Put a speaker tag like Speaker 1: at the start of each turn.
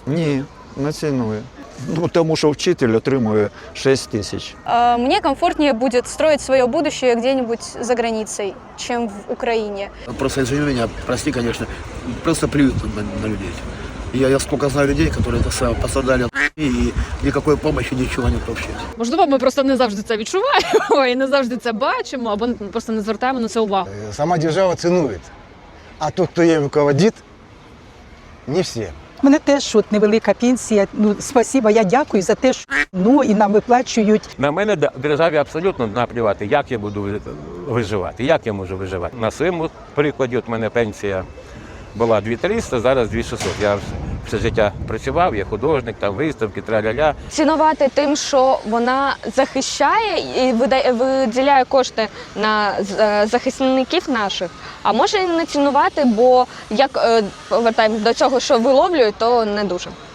Speaker 1: Ні, не ціную. Ну, тому що вчитель отримує 6 тисяч.
Speaker 2: Мне комфортнее будет строить свое будущее где-нибудь за границей, чем в Украине.
Speaker 3: Просто извини меня, прости, конечно, просто плюют на людей. Я сколько знаю людей, которые это самое пострадали от и никакой помощи, ничего нет вообще.
Speaker 4: Можливо, ми просто не завжди це відчуваємо і не завжди це бачимо, або просто не звертаємо на це увагу.
Speaker 5: Сама держава цінує. А тот, хто їм руководить, не всі.
Speaker 6: У мене теж от невелика пенсія. Ну, спасибо, я дякую за те, що і нам виплачують.
Speaker 7: На мене державі абсолютно наплювати, як я буду виживати, як я можу виживати. На своєму прикладі, от мене пенсія була 2300, зараз 2600. Я все життя працював, я художник, там виставки, траля-ля.
Speaker 8: Цінувати тим, що вона захищає і виділяє кошти на захисників наших, а може і не цінувати, бо як повертаємось до цього, що виловлюють, то не дуже.